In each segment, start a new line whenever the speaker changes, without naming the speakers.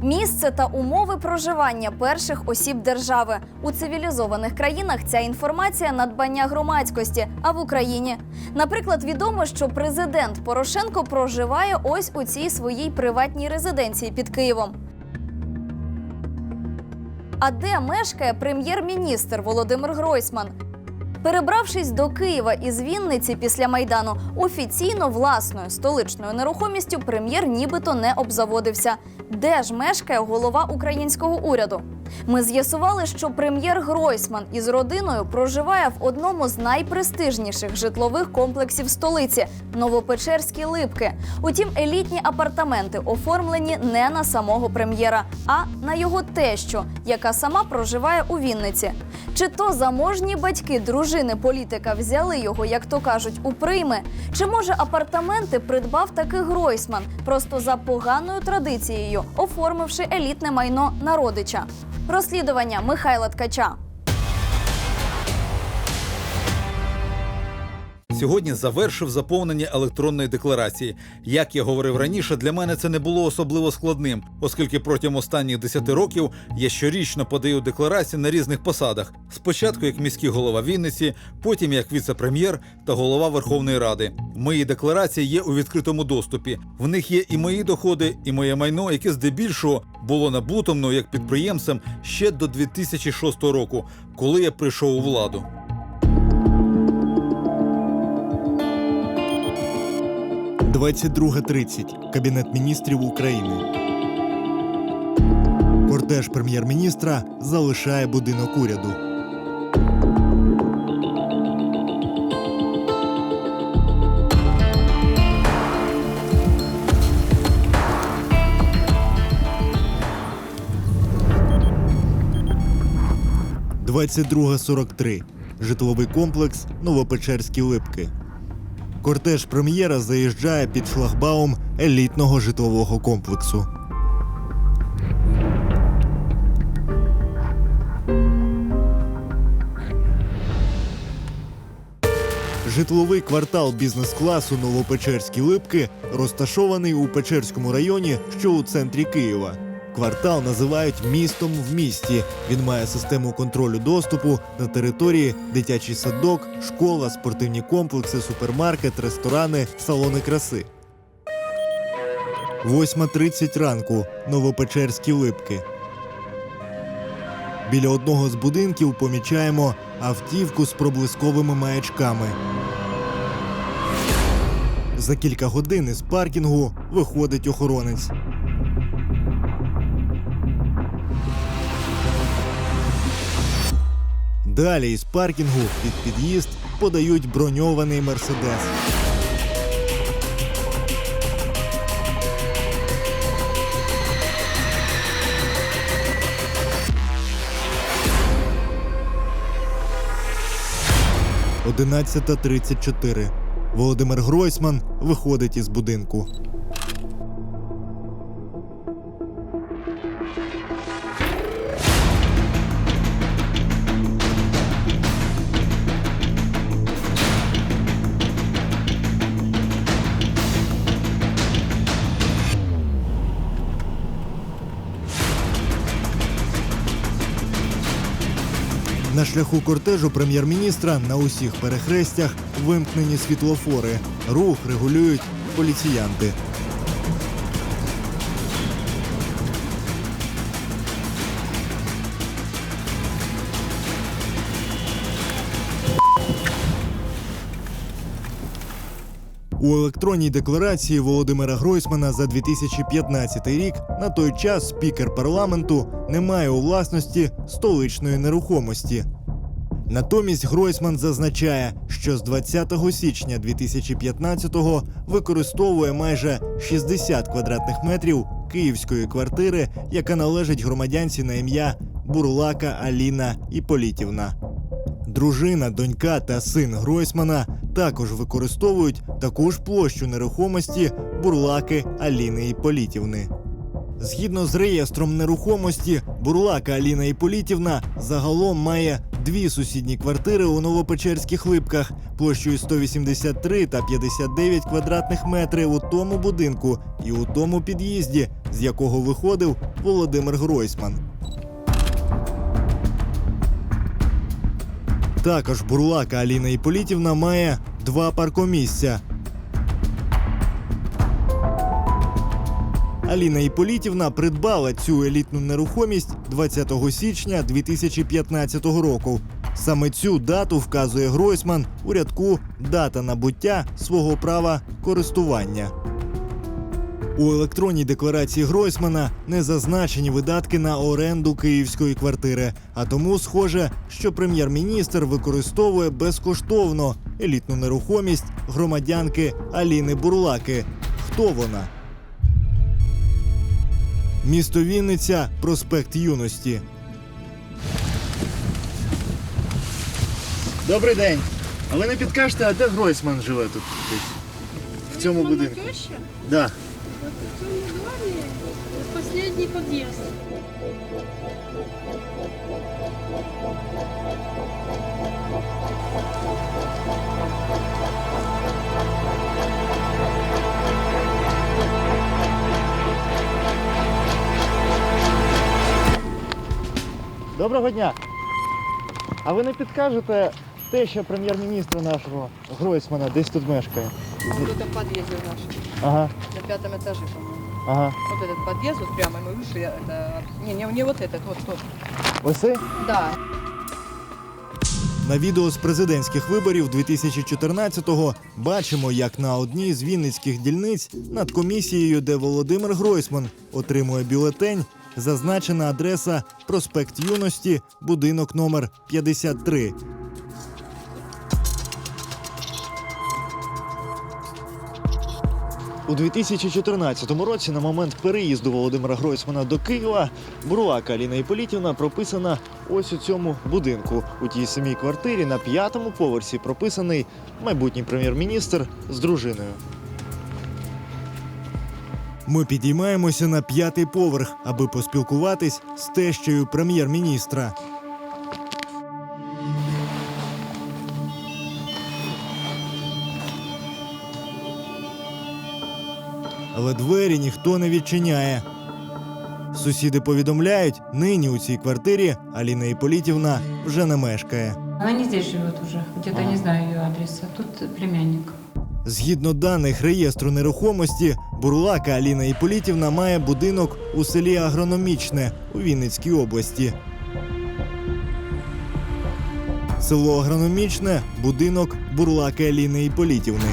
Місце та умови проживання перших осіб держави. У цивілізованих країнах ця інформація – надбання громадськості, а в Україні? Наприклад, відомо, що президент Порошенко проживає ось у цій своїй приватній резиденції під Києвом. А де мешкає прем'єр-міністр Володимир Гройсман? Перебравшись до Києва із Вінниці після Майдану, офіційно власною столичною нерухомістю прем'єр нібито не обзаводився. Де ж мешкає голова українського уряду? Ми з'ясували, що прем'єр Гройсман із родиною проживає в одному з найпрестижніших житлових комплексів столиці – Новопечерські Липки. Утім, елітні апартаменти оформлені не на самого прем'єра, а на його тещу, яка сама проживає у Вінниці. Чи то заможні батьки дружини політика взяли його, як то кажуть, у прийми? Чи, може, апартаменти придбав таки Гройсман, просто за поганою традицією, оформивши елітне майно на родича? Розслідування Михайла Ткача.
Сьогодні завершив заповнення електронної декларації. Як я говорив раніше, для мене це не було особливо складним, оскільки протягом останніх 10 років я щорічно подаю декларації на різних посадах. Спочатку як міський голова Вінниці, потім як віце-прем'єр та голова Верховної Ради. Мої декларації є у відкритому доступі. В них є і мої доходи, і моє майно, яке здебільшого було набуто мною як підприємцем ще до 2006 року, коли я прийшов у владу.
– 22:30. Кабінет міністрів України. Кортеж прем'єр-міністра залишає будинок уряду. – 22:43. Житловий комплекс Новопечерські Липки. Кортеж прем'єра заїжджає під шлагбаум елітного житлового комплексу. Житловий квартал бізнес-класу Новопечерські Липки розташований у Печерському районі, що у центрі Києва. Квартал називають «містом в місті». Він має систему контролю доступу на території, дитячий садок, школа, спортивні комплекси, супермаркет, ресторани, салони краси. 8:30 ранку. Новопечерські Липки. Біля одного з будинків помічаємо автівку з проблисковими маячками. За кілька годин із паркінгу виходить охоронець. Далі із паркінгу під під'їзд подають броньований «Мерседес». – 11:34. Володимир Гройсман виходить із будинку. На шляху кортежу прем'єр-міністра на усіх перехрестях вимкнені світлофори. Рух регулюють поліціянти. У електронній декларації Володимира Гройсмана за 2015 рік на той час спікер парламенту не має у власності столичної нерухомості. Натомість Гройсман зазначає, що з 20 січня 2015-го використовує майже 60 квадратних метрів київської квартири, яка належить громадянці на ім'я Бурлака Аліна Іполітівна. Дружина, донька та син Гройсмана також використовують таку ж площу нерухомості Бурлаки Аліни Іполітівни. Згідно з реєстром нерухомості, Бурлака Аліна Іполітівна загалом має 2 сусідні квартири у Новопечерських Липках площею 183 та 59 квадратних метрів у тому будинку і у тому під'їзді, з якого виходив Володимир Гройсман. Також бурлака Аліна Іполітівна має 2 паркомісця. Аліна Іполітівна придбала цю елітну нерухомість 20 січня 2015 року. Саме цю дату вказує Гройсман у рядку «Дата набуття свого права користування». У електронній декларації Гройсмана не зазначені видатки на оренду київської квартири, а тому схоже, що прем'єр-міністр використовує безкоштовно елітну нерухомість громадянки Аліни Бурлаки. Хто вона? Місто Вінниця, проспект Юності. Добрий день. А ви не підкажете, а де Гройсман живе тут? В цьому будинку?
Теща?
Да.
Вот в том доме последний подъезд.
Доброго дня. А ви не підкажете, теща прем'єр-міністра нашого Гройсмана десь тут мешкає?
Вот это в подъезде наш,
Ага,
на 5-м этаже, по-моему.
ага.
Вот этот подъезд, вот прямо мы вышли, это... Не вот этот, вот тот.
Ось це?
Да.
На відео з президентських виборів 2014-го бачимо, як на одній з вінницьких дільниць над комісією, де Володимир Гройсман отримує бюлетень, зазначена адреса проспект Юності, будинок номер 53. У 2014 році, на момент переїзду Володимира Гройсмана до Києва, бурлака Аліна Іполітівна прописана ось у цьому будинку. У тій самій квартирі на 5-му поверсі прописаний майбутній прем'єр-міністр з дружиною. Ми підіймаємося на 5-й поверх, аби поспілкуватись з тещею прем'єр-міністра. Але двері ніхто не відчиняє. Сусіди повідомляють, нині у цій квартирі Аліна Іполітівна вже не мешкає.
Она не здесь живет уже, где-то не знаю ее адреса. Тут племянник.
Згідно даних реєстру нерухомості, бурлака Аліна Іполітівна має будинок у селі Агрономічне у Вінницькій області. Село Агрономічне – будинок бурлаки Аліни Іполітівни.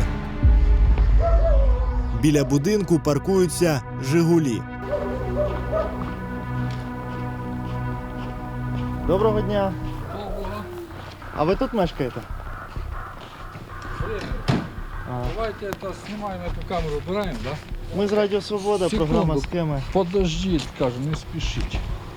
Біля будинку паркуються «Жигулі». Доброго дня. А ви тут мешкаєте?
Давайте это снимаем, эту камеру убираем, да?
Ми з Радіо Свобода,
Секунду.
програма «Схеми».
Подождіть, кажу, не спішіть.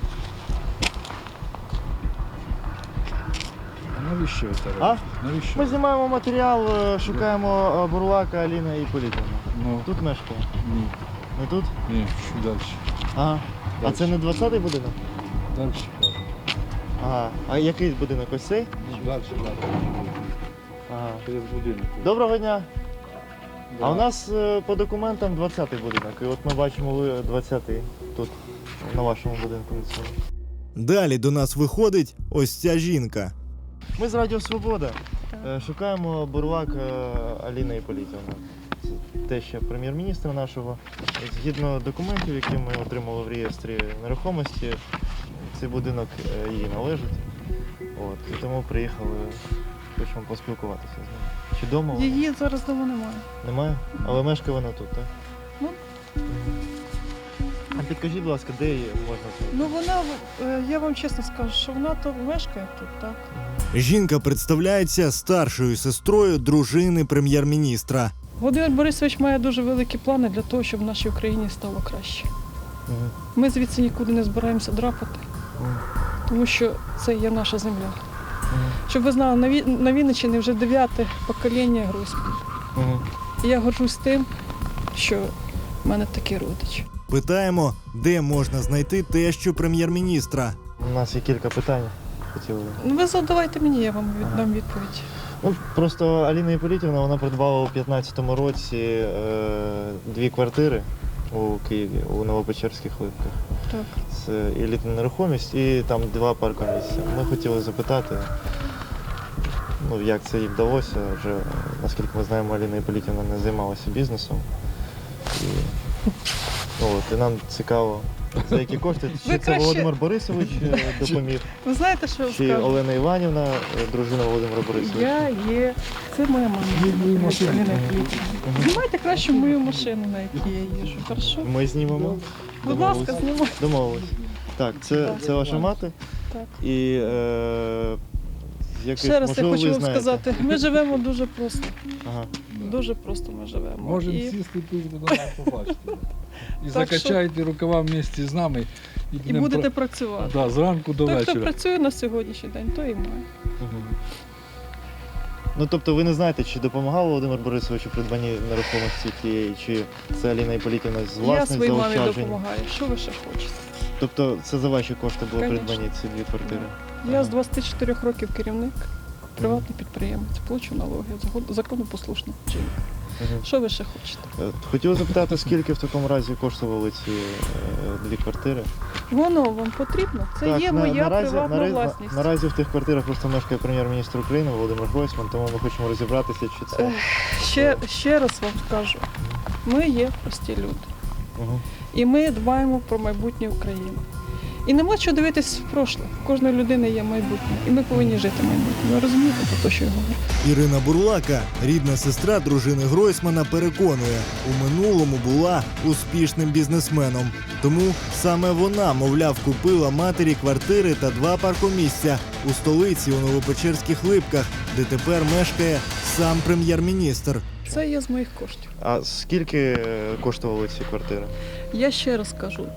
А навіщо ви це робите? Навіщо?
Ми знімаємо матеріал, шукаємо бурлака Аліна Іполітівна.
Ну,
Тут мешкає?
ні,
Не тут?
ні, що далі?
Ага. А це не 20-й будинок?
Далі кажу.
Ага. А який будинок? Ось цей?
Далі.
Ага.
Через будинок.
Доброго дня.
Да.
А у нас по документам 20-й будинок. І от ми бачимо, ви 20-й тут, на вашому будинку. Далі до нас виходить ось ця жінка. Ми з Радіо Свобода. Шукаємо бурлак Аліна Іполітівна. Це теща прем'єр-міністра нашого. Згідно документів, які ми отримали в реєстрі нерухомості, цей будинок їй належить. От, і тому приїхали, хочемо поспілкуватися з нею. Чи вдома вона?
Її зараз вдома немає.
Немає? Але мешкає вона тут, так?
Ну.
А підкажіть, будь ласка, де її можна знайти?
Ну вона, я вам чесно скажу, що вона то мешкає тут, так.
Жінка представляється старшою сестрою дружини прем'єр-міністра.
Володимир Борисович має дуже великі плани для того, щоб в нашій Україні стало краще. Ми звідси нікуди не збираємося драпати, тому що це є наша земля. Щоб ви знали, на Вінниччині вже 9-те покоління Гройсмана. І я горжусь тим, що в мене такий родич.
Питаємо, де можна знайти тещу прем'єр-міністра. У нас є кілька питань. хотіли.
Ну, ви задавайте мені, я вам дам відповідь.
Ну, просто Аліна Іполітівна, вона придбала у 2015 році 2 квартири у Києві, у Новопечерських Липках.
Так.
Це елітна нерухомість і там 2 паркомісця. Ми хотіли запитати, ну, як це їй вдалося. Вже, наскільки ми знаємо, Аліна Іполітівна не займалася бізнесом. І, ну, от, і нам цікаво, за які кошти. Чи це
краще-
Володимир Борисович допоміг,
Ви знаєте, що я вам
чи
скажу?
Олена Іванівна, дружина Володимира Борисовича?
Я є. Це моя мама.
Мою машину.
Аліна Іполітівна. Знімайте краще мою машину, на якій я їжджу. Хорошо?
Ми знімемо.
Будь ласка, знімайте.
Домовились. Так, це ваша мати.
Так.
І якось,
Ще раз я
можливо,
хочу
ви
вам
знаєте.
сказати, ми живемо дуже просто.
Ага.
Дуже просто ми живемо.
Можемо
І,
сісти тут, будемо побачити. І
Так що-
закачайте рукава вместе з нами.
і
будемо
будете працювати.
Да, зранку до
Той, хто
вечора.
працює на сьогоднішній день, той і має.
Мгм. Ну, тобто ви не знаєте, чи допомагав Володимир Борисович у придбанні нерухомості тієї, чи це Аліна Іполітівна з
Я
власних
своїй мамі
заощаджень?
допомагаю. Що ви ще хочете?
Тобто це за ваші кошти було
Конечно.
придбані ці 2 квартири?
Я з 24 років керівник, приватний підприємець, плачу налоги, законопослушна жінка.
Мгм.
Що ви ще хочете?
Хотів запитати, скільки в такому разі коштували ці 2 квартири?
Воно вам потрібно? Це є моя приватна власність.
Наразі в тих квартирах просто мешкає прем'єр-міністр України Володимир Гройсман, тому ми хочемо розібратися, чи це...
Ще раз вам скажу, ми є прості люди.
Мгм.
І ми дбаємо про майбутнє України. І нема чого дивитись в прошле. У кожної людини є майбутнє. І ми повинні жити майбутнє. Ви розумієте про те, що я говорю?
Ірина Бурлака, рідна сестра дружини Гройсмана, переконує, у минулому була успішним бізнесменом. Тому саме вона, мовляв, купила матері квартири та 2 паркомісця у столиці у Новопечерських Липках, де тепер мешкає сам прем'єр-міністр.
Це є з моїх коштів.
А скільки коштували ці квартири?
Я ще раз кажу,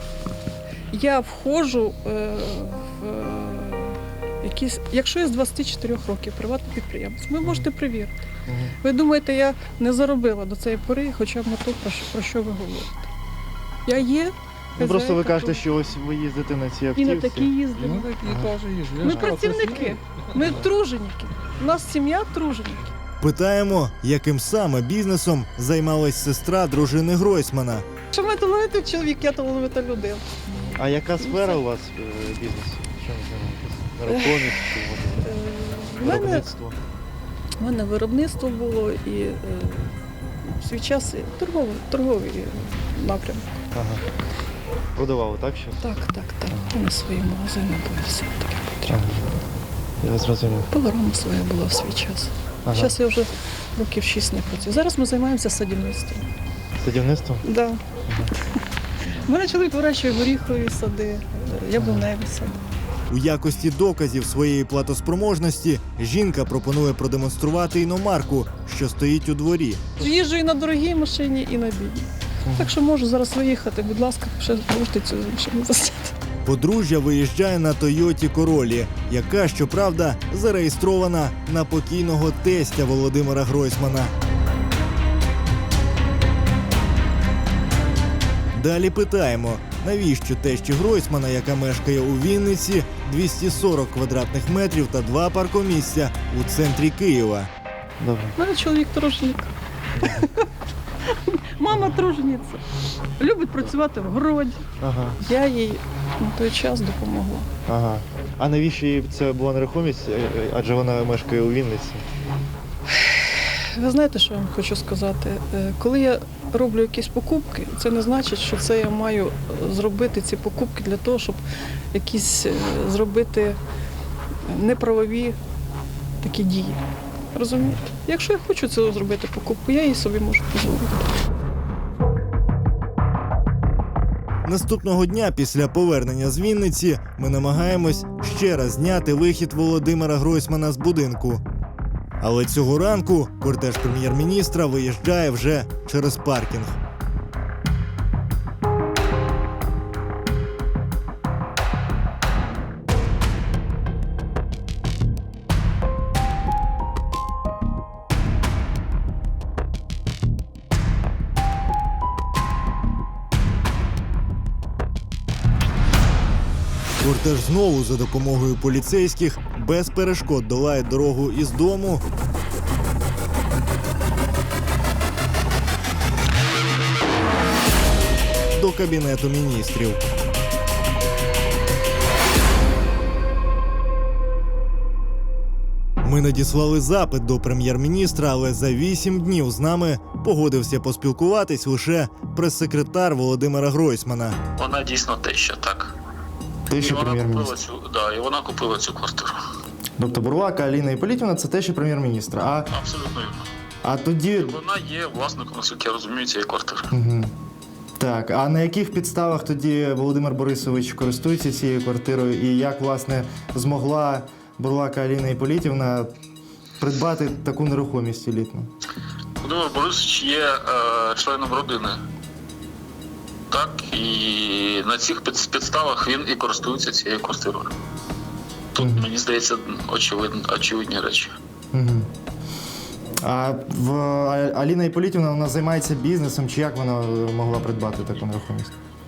я входжу в якісь, якщо я з 24 років приватний підприємець, ви можете перевірити. Ви думаєте, я не заробила до цієї пори, хоча б на то, про що ви говорите. Я є.
Ну, просто ви
хазяйка
кажете,
тут.
що ось ви їздите на цій
І
автівці.
на такі
І
їздимо.
ну такі теж є. Я
Ми
ж кажу, це
працівники,
сім'я.
ми труженіки. У нас сім'я труженіки.
Питаємо, яким саме бізнесом займалась сестра дружини Гройсмана.
Що ми талановитий чоловік, я талановита людина.
А яка сфера у вас бізнесу? Чим займаєтесь? Нерухомість чи
В мене,
виробництво?
в мене виробництво було і в свій час і торговий напрямок.
Ага. Продавали, так що?
Так. У мене свої магазини були, все таке потрібно.
Я зрозумів.
Пилорама своя була в свій час.
Ага.
Зараз я вже років 6 не працюю. Зараз ми займаємося садівництвом.
Садівництвом?
Да. У мене чоловік вирощує горіхові сади, яблуневі сади.
У якості доказів своєї платоспроможності жінка пропонує продемонструвати іномарку, що стоїть у дворі.
Їжджу і на дорогій машині, і на бідній. Так що можу зараз виїхати, будь ласка, ще можете цю машину засняти.
Подружжя виїжджає на Тойоті Королі, яка, щоправда, зареєстрована на покійного тестя Володимира Гройсмана. Далі питаємо, навіщо тещі Гройсмана, яка мешкає у Вінниці, 240 квадратних метрів та 2 паркомісця у центрі Києва. Добре.
У мене чоловік труженик. Мама тружениця. Любить працювати в городі.
Ага,
Я їй на той час допомогла.
ага. А навіщо їй це була нерухомість, адже вона мешкає у Вінниці?
Ви знаєте, що я вам хочу сказати? Коли я роблю якісь покупки, це не значить, що це я маю зробити ці покупки для того, щоб якісь зробити неправові такі дії. Розумієте? Якщо я хочу це зробити покупку, я її собі можу дозволити.
Наступного дня після повернення з Вінниці ми намагаємось ще раз зняти вихід Володимира Гройсмана з будинку. Але цього ранку кортеж прем'єр-міністра виїжджає вже через паркінг. Кортеж знову за допомогою поліцейських без перешкод долає дорогу із дому до Кабінету міністрів. Ми надіслали запит до прем'єр-міністра, але за 8 днів з нами погодився поспілкуватись лише прес-секретар Володимира Гройсмана.
Вона дійсно теща, так.
Теща
І вона
прем'єр-міністра.
і вона купила цю квартиру.
Тобто Бурлака Аліна Іпполітівна – це теща прем'єр-міністра.
Абсолютно вірно.
А тоді...
Вона є власником, наскільки я розумію, цієї квартири.
Угу. Так, а на яких підставах тоді Володимир Борисович користується цією квартирою і як, власне, змогла Бурлака Аліна Іпполітівна придбати таку нерухомість елітну?
Володимир Борисович є членом родини. Так, і на цих підставах він і користується цією квартирою. Тут, мені здається, очевидні речі.
Угу. А Аліна Іпполітівна, вона займається бізнесом, чи як вона могла придбати таку нерухомість?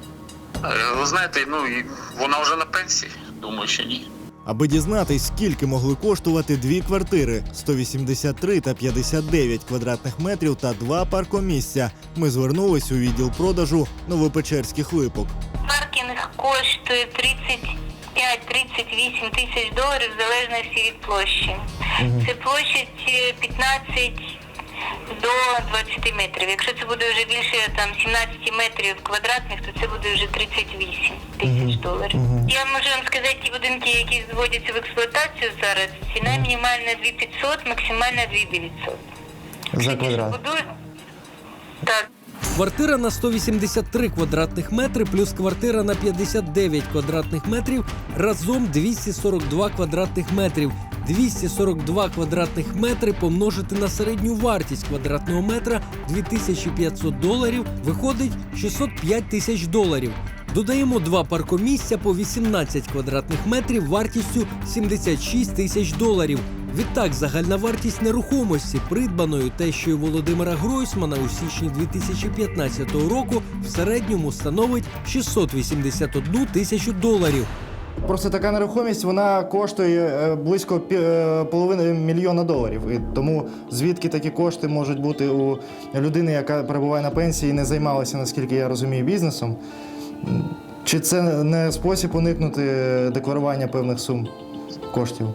Ви знаєте, вона вже на пенсії, думаю, що ні.
Аби дізнатись, скільки могли коштувати дві квартири – 183 та 59 квадратних метрів та 2 паркомісця, ми звернулись у відділ продажу Новопечерських липок.
Паркінг коштує 35-38 тисяч доларів в залежності від площі. Це площадь 15 до 20 метрів. Якщо це буде вже більше 17 метрів квадратних, то це буде вже 38 тисяч доларів. Я можу вам сказати, ті будинки, які зводяться в експлуатацію зараз, ціна мінімальна 2500, максимальна 2900.
За квадрат?
Так.
Квартира на 183 квадратних метри плюс квартира на 59 квадратних метрів разом 242 квадратних метрів. 242 квадратних метри помножити на середню вартість квадратного метра 2500 доларів виходить 605 тисяч доларів. Додаємо 2 паркомісця по 18 квадратних метрів вартістю 76 тисяч доларів. Відтак, загальна вартість нерухомості, придбаної тещою Володимира Гройсмана у січні 2015 року, в середньому становить 681 тисячу доларів.
Просто така нерухомість, вона коштує близько $500 мільйона. І тому звідки такі кошти можуть бути у людини, яка перебуває на пенсії і не займалася, наскільки я розумію, бізнесом? Чи це не спосіб уникнути декларування певних сум коштів?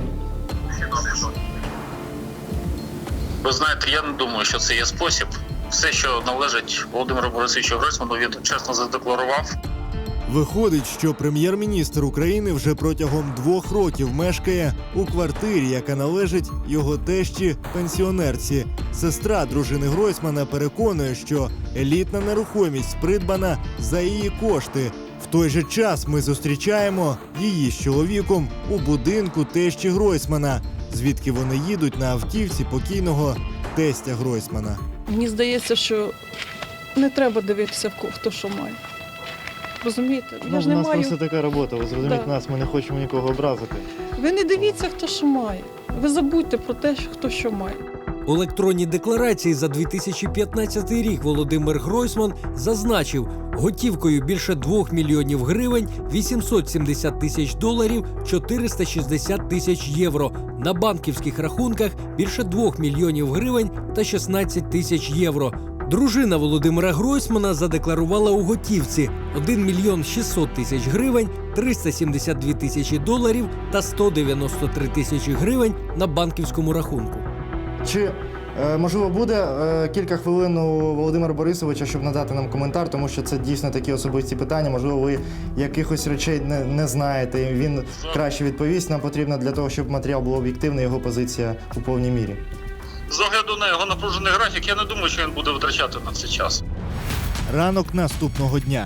Ви знаєте, я не думаю, що це є спосіб. Все, що належить Володимиру Борисовичу Гройсману, він чесно задекларував.
Виходить, що прем'єр-міністр України вже протягом 2 років мешкає у квартирі, яка належить його тещі-пенсіонерці. Сестра дружини Гройсмана переконує, що елітна нерухомість придбана за її кошти. В той же час ми зустрічаємо її з чоловіком у будинку тещі Гройсмана, звідки вони їдуть на автівці покійного тестя Гройсмана.
Мені здається, що не треба дивитися, хто що має. Розумієте? Я ж не маю...
така робота, ви зрозумієте нас, ми не хочемо нікого образити.
Ви не дивіться, хто що має. Ви забудьте про те, хто що має.
У електронній декларації за 2015 рік Володимир Гройсман зазначив, готівкою більше 2 мільйонів гривень, 870 тисяч доларів, 460 тисяч євро. На банківських рахунках більше 2 мільйонів гривень та 16 тисяч євро. Дружина Володимира Гройсмана задекларувала у готівці 1 мільйон 600 тисяч гривень, 372 тисячі доларів та 193 тисячі гривень на банківському рахунку.
Чи, можливо, буде кілька хвилин у Володимира Борисовича, щоб надати нам коментар, тому що це дійсно такі особисті питання. Можливо, ви якихось речей не знаєте, і він краще відповість. Нам потрібно для того, щоб матеріал був об'єктивний, його позиція у повній мірі.
З огляду на його напружений графік, я не думаю, що він буде витрачати на це час.
Ранок наступного дня.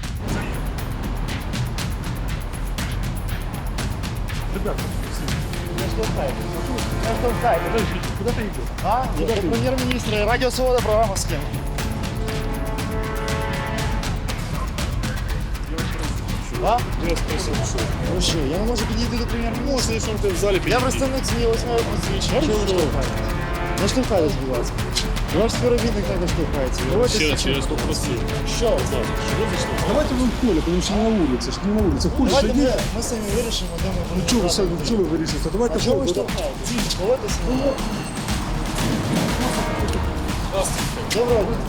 Куда ты идешь?
Прем'єр-міністр, Радіо Свобода, програма «З ким?». А? Ну що, я не можу підійти до прем'єр-міністра.
Если ты в зале
Я представник ЗМІ, ось моє посвідчення. Чого ви штовхаєте? Не штовхайтесь, будь ласка. Ваш співробітник також штовхається.
Ще раз попросив.
Що?
Давайте ви в поле, тому що не на вулиці. Ж не на вулиці. Ходиш,
Давайте
іди.
ми самі вирішимо, де ми будемо.
Чого ви вирішите? Давайте
А чого ви
в поле.
штовхаєтесь? Поводьтеся. Доброго дня.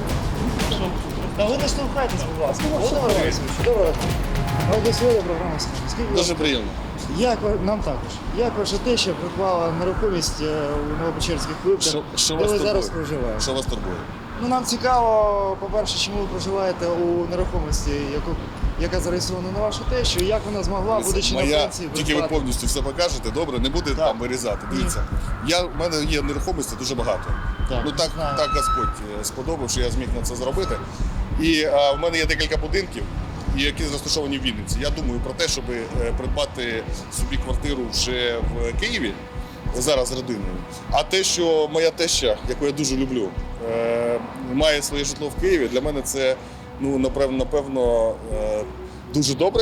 Та ви не штовхайтесь, будь ласка. Володимир Борисович, доброго дня. Ну, до сьогодні програма «Скажи». Скільки
Дуже приємно.
нам також. Як ваша теща придбала нерухомість у Новопечерських клубах,
Що
де
вас
ви зараз
турбує?
проживаєте?
Що вас турбує?
Ну, нам цікаво, по-перше, чому ви проживаєте у нерухомості, яка зареєстрована на вашу тещу, і як вона змогла, будучи на
Моя,
пенсії,
тільки ви повністю все покажете, добре, не буде там вирізати. Дивіться, в мене є нерухомості дуже багато.
Так,
Ну так Господь сподобав, що я зміг на це зробити. І в мене є декілька будинків, які розташовані в Вінниці. Я думаю про те, щоб придбати собі квартиру вже в Києві, зараз з родиною. А те, що моя теща, яку я дуже люблю, має своє житло в Києві, для мене це, ну, напевно, дуже добре.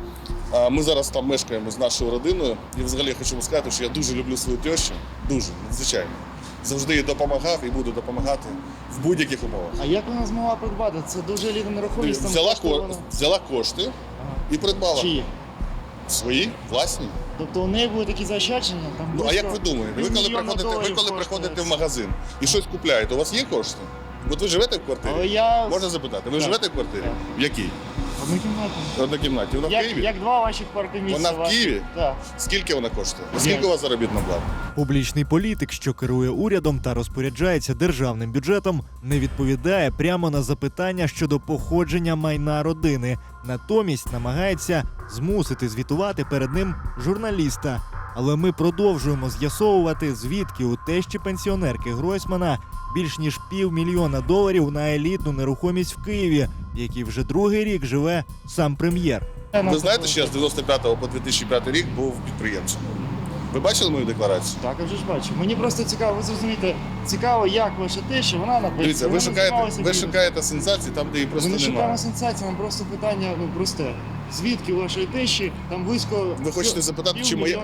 Ми зараз там мешкаємо з нашою родиною. І взагалі я хочу вам сказати, що я дуже люблю свою тещу. Дуже, звичайно. Завжди їй допомагав і буду допомагати в будь-яких умовах.
А як вона змогла придбати? Це дуже елітна нерухомість. там
Взяла,
коштує вона-
взяла кошти і придбала.
Чиї?
Свої, власні.
Тобто у неї були такі заощадження? Там
Ну а
близько
як ви думаєте? Ви коли
півмільйона доларів
приходите
коштує.
в магазин і щось купляєте, у вас є кошти? От ви живете в квартирі?
Але я...
Можна запитати, ви
Так.
живете в квартирі?
Так.
В якій?
Однокімнатна.
В однокімнаті. Вона в Києві?
Як два ваших паркомісця.
Вона в Києві?
Так.
Скільки вона коштує? Скільки у вас заробітна плата?
Публічний політик, що керує урядом та розпоряджається державним бюджетом, не відповідає прямо на запитання щодо походження майна родини. Натомість намагається змусити звітувати перед ним журналіста. Але ми продовжуємо з'ясовувати, звідки у тещі пенсіонерки Гройсмана більш ніж $500 000 на елітну нерухомість в Києві, в якій вже другий рік живе сам прем'єр.
Ви знаєте, що я з 95 по 2005 рік був підприємцем? Ви бачили мою декларацію?
Так, я вже ж бачу. Мені просто цікаво, ви зрозумієте, цікаво, як ваша теща, вона написана.
Дивіться, ви шукаєте сенсації там, де її просто
Ми не
немає.
шукаємо сенсації, нам просто питання просте. Звідки у вашої тещі там близько
Ви хочете запитати, чи моя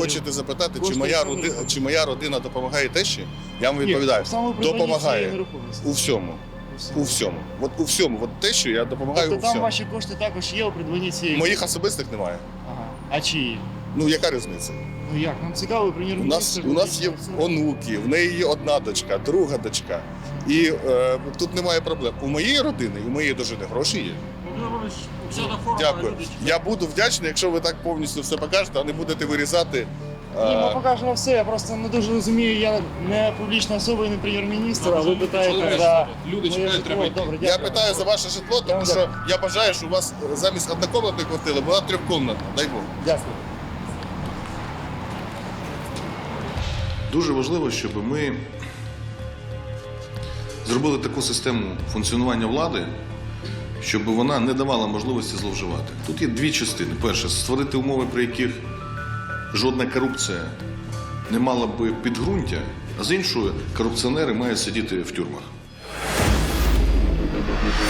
моя родина допомагає тещі? Я вам відповідаю. Допомагає у всьому. У всьому. От у всьому. От тещу я допомагаю у
Тобто там
всьому.
ваші кошти також є у придбанні цієї.
Моїх особистих немає.
Ага. А чиї?
Ну яка різниця?
Ну як? Нам цікаво, прем'єр-міністр.
У нас є онуки, в неї є одна дочка, друга дочка. І тут немає проблем. У моєї родини, у моєї дружини гроші є. Дякую. Я буду вдячний, якщо ви так повністю все покажете, а не будете вирізати.
Ні, ми покажемо все, я просто не дуже розумію, я не публічна особа і не прем'єр-міністр, а ви питаєте за...
Люди чекають, треба йти.
Добре,
Я
дякую.
питаю за ваше житло, тому що я бажаю, що у вас замість однокомнатної квартири була трьохкомнатна. Дай Бог.
Дякую.
Дуже важливо, щоб ми зробили таку систему функціонування влади, щоб вона не давала можливості зловживати. Тут є дві частини. Перше, створити умови, при яких жодна корупція не мала би підґрунтя, а з іншої, корупціонери мають сидіти в тюрмах.